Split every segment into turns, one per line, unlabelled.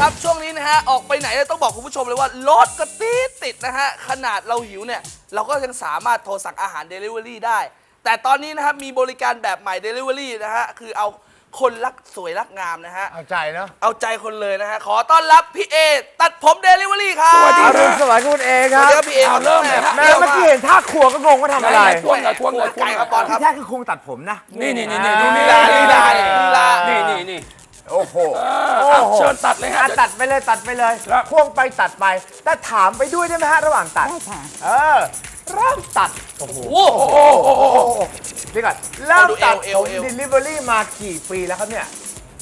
ครับช่วงนี้นะฮะออกไปไหนต้องบอกคุณผู้ชมเลยว่ารถก็ติดนะฮะขนาดเราหิวเนี่ยเราก็ยังสามารถโทรสั่งอาหาร Delivery ได้แต่ตอนนี้นะครับมีบริการแบบใหม่ Delivery นะฮะคือเอาคนรักสวยรักงามนะฮะ
เอาใจเนาะ
เอาใจคนเลยนะฮะขอต้อนรับพี่เอตัดผม Delivery ครับ
สวัสดี
อรุณสวัสดิ์คุณเองครับ
สวัสดีครับพี่เอ
เริ่มเลยครับ
แม่เมื่อกี้เห็นท่าครัวก็งงว่าทำอะไร
ทวงหน่อยทวงหน่อย
ไก่ครับบอลครับ
ที่แท้คือคงตัดผมนะ
นี่นี่นี่
ลีลาลีลาลีลา
นี่
โอ้โห
เชิญตัดเลยฮะ
ตัดไปเลยตัดไปเลย
ครับ
ควงไปตัดไปแต่ถามไปด้วยได้ไหมฮะระหว่างตัด
ได้ค่ะ
เริ่มตัดโอ้โห
โอ้โห
เดี๋ยวก่อนเริ่มตัด
เอ
ผ
ว
ม delivery มากี่ปีแล้วครับเนี่ย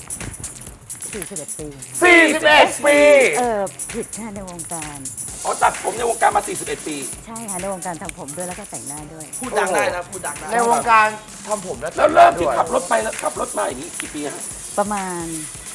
41 ปี
41 ปี
ผิดค่ะในวงการ
อ๋อตัดผมในวงการมา 41 ปี
ใช่ค่ะในวงการทำผมด้วยแล้วก็แต่งหน้าด้วย
พูดดังได้นะพูดดังได้
ในวงการทำผมและ
แล้วเริ่มที่ขับรถไปแล้วขับรถมาอย่างนี้กี่ปีฮะ
ประมาณ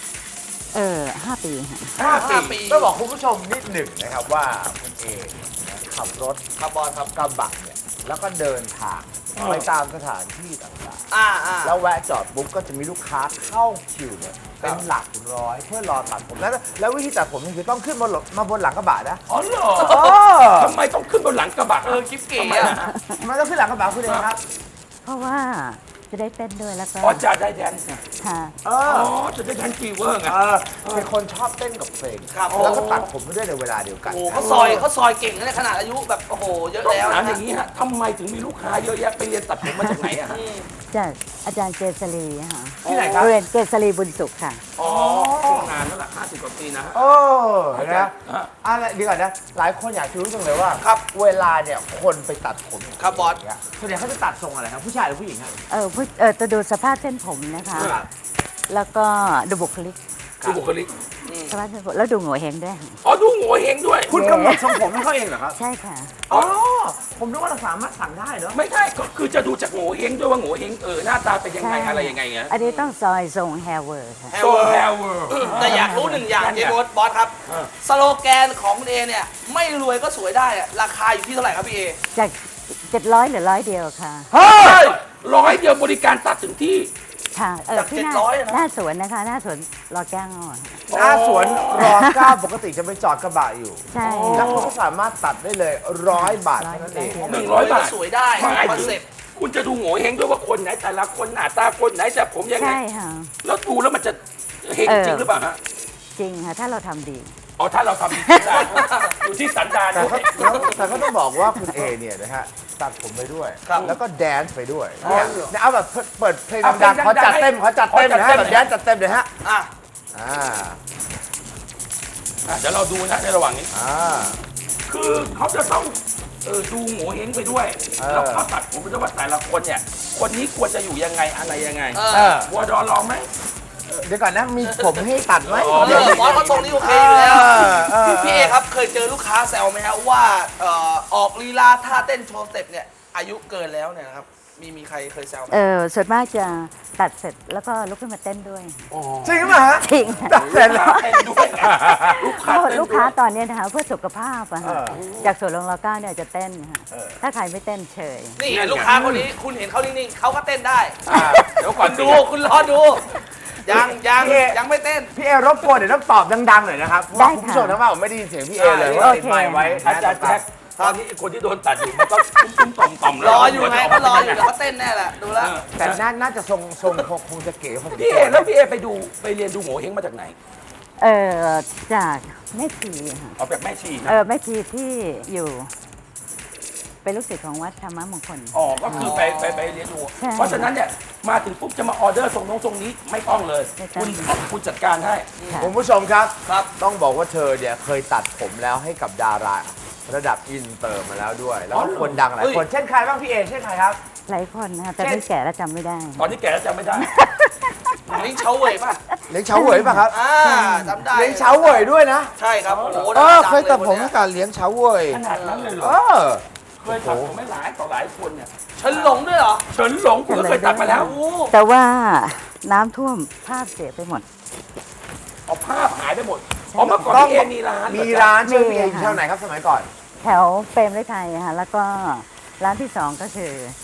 5 ปีค่ะ
5 ปี
ต้องบอกคุณผู้ชมนิดหนึ่งนะครับว่าคุณเองขับรถ
ครับบอลครับ
กระบะเนี่ยแล้วก็เดินทางไปตามสถานที่ต่างๆ
อ่า
แล้วแวะจอดปุ๊บก็จะมีลูกค้าเข้าคิวเนี่ยเป็นหลักร้อยเพื่อรอตัดผมแล้ววิธีตัดผมนี่คือต้องขึ้นมาบนหลังกระบะนะ
อ๋อเหรอทำไมต้องขึ้นบนหลังกระบะ
กิ๊บเก๋
ทำไม
อะ
นะฮะ
มันต้องขึ้นหลังกระบะคุณเองครับ
เพราะว่าจะได้เต้นด้วยแล้วก็
อ๋อจะได้แดนซ์ไง
ค่ะ
อ๋อจะได้แดนซ์ฟีเวอร์ไง
เป็นคนชอบเต้นกับเพลง
ครับ
แล้วก็ตัดผมไปด้วยในเวลาเดียวกัน
โอ้เขาซอยเก่งนะขนาดอายุแบบโอ้โหเยอะ
ต้อง
แล้ว
ถาม
นะ
อย่างนี้ฮะทำไมถึงมีลูกค้าเยอะแยะไปเรียนตัดผมมาจากไหนอะฮะ
จากอาจารย์เกษรีค่ะ
ที่ไหนครับ
เรียนเกษรีบุญสุขค่ะ
อ๋อทำงานแล้วล่ะ50 กว่าปีนะฮะ
โอ้นะ
ฮะ
อะไรดีก่อนนะ หลายคนอยากจะรู้จังเลยว่า
ครับ
เวลาเนี่ยคนไปตัดผม
ครับบอส
เนี่ยส่วนใหญ่เขาจะตัดทรงอะไรครับผู้ชายหรือผู้หญิงครับ
จะดูสภาพเส้นผมนะคะ
ครับ
แล้วก็ดูบุคลิก
คือบุคลิก
สภาพเส้นผมแล้วดูโง่เฮงด้วยค่ะ
อ๋อดูโง่เฮงด้วย
คุณกำหนดทรงผมให้เขาเองเหรอครับ
ใช่ค่ะ
อ๋อผมนึกว่าเราสามารถสั่งได้เนาะ
ไม่ใช่ก็คือจะดูจากโง่เฮงด้วยว่าโง่เฮงหน้าตาเป็นยังไง
ใช่
อะไรยังไงเงี้ย
อันนี้ต้องซอยทรงแฮร์เวิร์ดค่ะ
โซแฮร์เวิร์
แต่อยากรู้หนึ่งอย่างเจมส์บอสครับ สโลแกนของคุณเอเนี่ยไม่รวยก็สวยได้อะราคาอยู่ที่เท่าไหร่ครับพี่เอ
จาก700เหรือ100 เดียวค่ะ
เฮ้ย100 เดียวบริการตัดถึงที่
ค่ะ
จาก
ที่
700อะนะ
หน้าสวนนะคะ หน้าสวนรอแก้วอ่ะ
หน้าสวนรอเก้าปกติจะไปจอดกระบะอยู่
ใช่
แล้วคุณก็สามารถตัดได้เลย100 บาทเท่านั้นเอง
100 บาท
สวยได้
หมาย
คอน
ถึง
เซ็ปต์
คุณจะดูโง่เฮงด้วยว่าคนไหนแต่ละคนหน้าตาคนไหนจะผมยังไง
ใช่ค่ะ
แล้วดูแล้วมันจะเฮงจริงหรือเปล่าฮะ
จริงค่ะ ถ้าเราทำดี
อ๋อถ้าเราทำดีได้อยู่ที่สันดาน
แต่ก็ต้องบอกว่าคุณเอเนี่ยนะฮะตัดผมไปด้วย
ครับ
แล้วก็แดนซ์ไปด้วยเนี่ยเอาแบบเปิดเพลงดังๆขอจัดเต็มนะฮะแบบแดนซ์จัดเต็มเลยฮะ
อ่ะ
อ่า
เดี๋ยวเราดูนะในระหว่างนี้
อ่า
คือเขาจะต้องดูโง่เฮงไปด้วย แล้วก็ตัดผมไปด้วยว่าแต่ละคนเนี่ย คนนี้ควรจะอยู่ยังไงอะไรยังไง
เออ
วัวดอนลองไหม
เดี๋ยวก่อนนะมีผมให้ตัดไหม
อ๋อ
เดี๋ยวบอสเขาทรงนี้โอเคอยู่แล้ว
เออ
พี่เอครับเคยเจอลูกค้าแซวไหมฮะว่าออกลีลาท่าเต้นโชว์สเต็ปเนี่ยอายุเกินแล้วเนี่ยนะครับมีใครเคยแซวไหม
ส่วนมากจะตัดเสร็จแล้วก็ลุกขึ้นมาเต้นด้วย
จริงไหมฮะ
จริงค่ะ
ตัดเสร็จแล้ว
เป็นด้วยลูกค้า
เพราะ
เต้น
ลูกค้าตอนนี้นะคะเพื่อสุขภาพอะค่ะ
เออ
จากสวนลงรอเก้าเนี่ยจะเต้นค่ะถ้าใครไม่เต้นเฉย
นี่ไงลูกค้าคนนี้คุณเห็นเขานิ่งๆเขาก็เต้นได้
เดี๋ยวก่อน
ดูคุณรอดู ยังไม่เต้น
พี่เอรบกวนเดี๋ยวต้องตอบดังๆหน่อยนะครับเพราะว่าคุณผู้ชมทั้งบ้านผมไม่ได้ยินเสียงพี่เอเลยว่าติดไมค์ไว้
อาจารย์แจ็คตอนนี้คนที่โดนตัดอยู่มันก็ตุ้มๆต่อมๆ
รออยู่ไงเขารออยู่แล้วเขาเต้นแน่แหละดูแล้ว
แต่น่าจะทรงคงจะเก๋พอสม
พี่
ค
เอ
วร
แล้วพี่เอไปเรียนดูโง่เฮงมาจากไหน
จากแม่ชีค่ะ
เอาแบบแม่ชีนะ
แม่ชีที่อยู่ เป็นลูกศิษย์ของวัดธรรมมงคล
อ๋อก็คือไปเรียนดู
ใช่
เพราะฉะนั้นเนี่ยมาถึงปุ๊บจะมาออเดอร์ส่งน้องทรงนี้ไม่ต้องเลย
ไม่ต้อง
คุณจัดการให้
คุณผู้ชมครับ
ครับ
ต้องบอกว่าเธอเนี่ยเคยตัดผมแล้วให้กับดาราระดับอินเตอร์มาแล้วด้วย แล้วก็คนดังหลายคนเช่นใครบ้างพี่เอเช่นใครครับ
หลายคนนะคะแต่ไม่แก่แล้วจำไม่ได้
ตอนนี้แกแล้วจำไม่ได้
ลิงเฉาเว่ยป่ะ
เลี้ยงเฉาเหวยป่ะครับ
จำได้
เลี้ยงเฉาเหวยด้วยนะ
ใช่ครับโอ้โห
เคยตัดผมให้กับเลี้ยงเฉาเหวย
ขนาดนั้นเลยเหรอ
เออ
เคยตัดผมไม่หลายต่อหลายคนเนี่ย
เฉินหลงด้วยเหรอ
เฉินหลงคุณก็เคยตัดมาแล้ว
โอ้
แต่ว่าน้ำท่วมภาพเสียไปหมด
เอาภาพหายไปหมดอ๋อเมื่อก่อนพี่เอมีร้าน
มีร้านชื่อ
มี
พี่เออยู่
ค่ะ
แถวไหนครับสมัยก่อน
แถวเปรมฤทัยค่ะแล้วก็ร้านที่สองก็คือ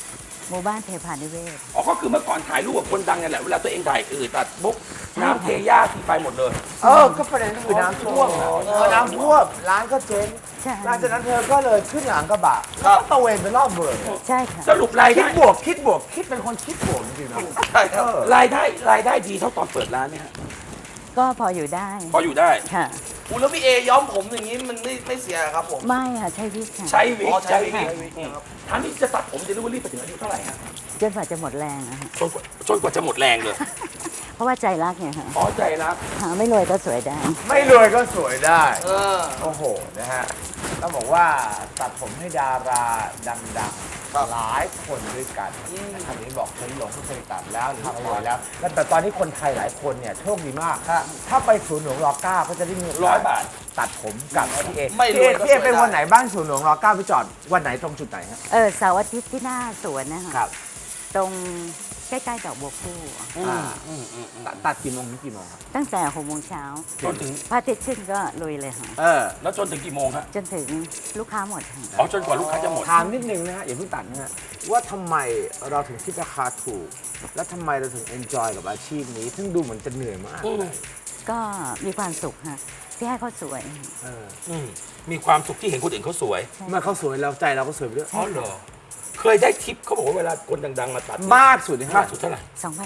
หมู่บ้านเทพานิเวศ
อ๋อก็คือเมื่อก่อนถ่ายรูปกับคนดังเนี่ยแหละเวลาตัวเองถ่ายตัดบุ๊กน้ำเทย่าทีไปหมดเลย
ก็ประเด็นก็คือน้ำท่วมพอน้ำท่วมร้านก็เจ๊ง
ใช่
หลังจากนั้นเธอก็เลยขึ้นหลังกระบะ
ครับ
ตะเวนไปรอบเมือง
ใช่ค่ะ
สรุปราย
คิ
ได้
ดบวกคิดเป็นคนคิดบวกจริงๆนะ
ใช่ครับ
รายได้ดีเท่าตอนเปิดร้านไหมฮะ
ก็พออยู่ได้
พออยู่ได้
ค่ะ
อูแล้วพี่เอย้อมผมอย่างนี้มันไม่เสียครับผม
ไม่ค่ะใช้วิกค่ะ
ใช้วิก
อ๋อใช้วิก
ท่านนี้จะตัดผมเดลิเวอรี่ไปถึงอายุเท่าไหร่ฮะ
จนกว่าจะหมดแรงอะค่ะ
จนกว่าจะหมดแรงเลย
เพราะว่าใจรักไงค่ะ
อ๋อใจรัก
หาไม่รวยก็สวยได้
ไม่รวยก็สวยได้
เออ
โอ้โห นะฮะ ต้องบอกว่าตัดผมให้ดาราดังๆหลายคนด้วยกันนะครับนี้บอกเคยหลงก็เคยตัดแล้วหรือเคยแล้ว แต่ตอนนี้คนไทยหลายคนเนี่ยโชคดีมาก ถ้าไปศูนย์หลวงร9ก็จะได้มีโอกาส
100 บาท
ตัดผมกับพี่เอ
ไม่รวยก็
พี่เอ
สวย
เป็น
ได้
วันไหนบ้างศูนย์หลวงร9ไปจอดวันไหนตรงจุดไหนฮะ
เสาร์อาทิตย์ที่หน้าสวนนะคะ
ครับ
ตรงใกล้ๆดอกบัวคู่
ตัดกี่โมงถึงกี่โมงครับ
ตั้งแต่6 โมงเช้า
จนถึง
พระอาทิตย์ขึ้นก็ลุยเลยค่ะ
แล้วจนถึงกี่โมงฮะ
จนถึงลูกค้าหมดค่ะ
อ๋อจนกว่าลูกค้าจะหมด
ถามนิดนึงนะฮะอย่าเพิ่งตัดนะฮะว่าทำไมเราถึงคิดราคาถูก และทำไมเราถึงเอนจอยกับอาชีพนี้ ซึ่งดูเหมือนจะเหนื่อยมาก
ก็มีความสุขค่ะที่ให้เขาสวย
มีความสุขที่เห็นคนอื่นเขาสวย
เมื่อเขาสวยเราใจเราก็สวยไปด้วย
อ๋อเหรอ เคยได้ทิปเขาบอกว่าเวลาคนดังๆมาตัด
มากสุดเลย
มากสุดเท่าไหร่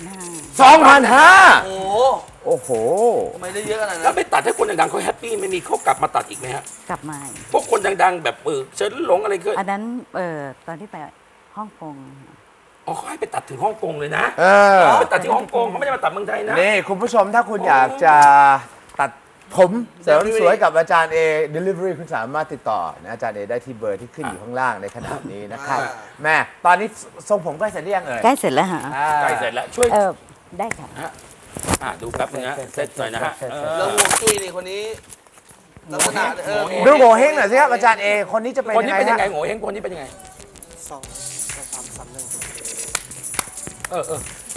2,500
2,500
โอ้
โอ้โห
ทำไมได้เยอะขนาด
แล้
นั้
วน ไปตัดให้คนดังๆเขาแฮปปี้ไม่มีเขากลับมาตัดอีกไหมฮะ
กลับมา
พวกคนดังๆ แบบเฉินหลงอะไรก็
อันนั้นตอนที่ไปฮ่องกง
อ๋อเขาให้ไปตัดถึงฮ่องกงเลยนะ
เออ
ไปตัดที่ฮ่องกงเขาไม่ได้มาตัดเมืองไทยนะ
นี่คุณผู้ชมถ้าคุณอยากจะตัดผมเสริมสวยกับอาจารย์เอ delivery คุณสามารถติดต่อนะอาจารย์เอได้ที่เบอร์ที่ขึ้นอยู่ข้างล่างในขณะนี้นะครับ แม่ตอนนี้ทรงผมใกล้เสร็จหรือยังเอ่ย
ใกล้เสร็จแล้วฮะ
ใกล้เสร็จแล้วช่วย
ได้ค่ะ
ดูแป๊บนึงนะเซตหน่อยนะฮะ
แล้วห่วงจุ้ยนี่คนนี้ลักษณะเออ
ดูโงเฮงหน่อยสิครับอาจารย์เอคนนี้จะเป็น
คน
ยัง
นี้
ไง
เป็นยัง
ฮะ
ไงโง่เฮงคนนี้เป็นยังไงเออ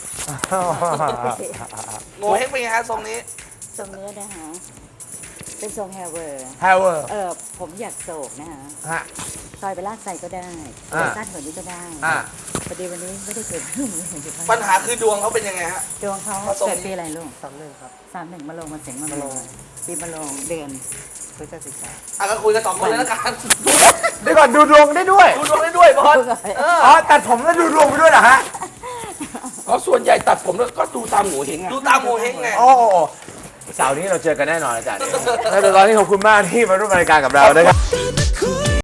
โงเฮงเป็นไงฮะทรงนี้
ทรงนี้นะคะ เป็นทรงแฮร์เวอร์
แฮร์เวอร์
ผมอยากโศกนะคะ
ฮะ
ซอยไปลากใส่ก็ได้
อ่า
สั้นกว่านี้ก็ได้
อ่า
พอดีวันนี้ไม่ได้เกิด
ปัญหาคือดวงเขาเป็นยังไงฮะ
ดวงเขา
ผสม
เกิดปีอะไรลูก31ครับ31มะโรงมาเสงมะโรงปีมะโรงเดือนพฤศจิกา
อ่ะก็คุยกันสองคนเลยแล้วกัน
เดี๋ยวก่อนดูดวงได้ด้วย
ดูดวงได้ด้วยบอสเออ
อ๋อตัดผมแล้วดูดวงไปด้วยเหรอฮะ
เพราะส่วนใหญ่ตัดผมแล้วก็ดูตามโง่เฮงอะ
ดูตามโงเฮงไง
โอ้โหเสาร์นี้เราเจอกันแน่นอนอาจารย์เอแต่ตอนนี้ขอบคุณมากที่มาร่วมรายการกับเรานะครับ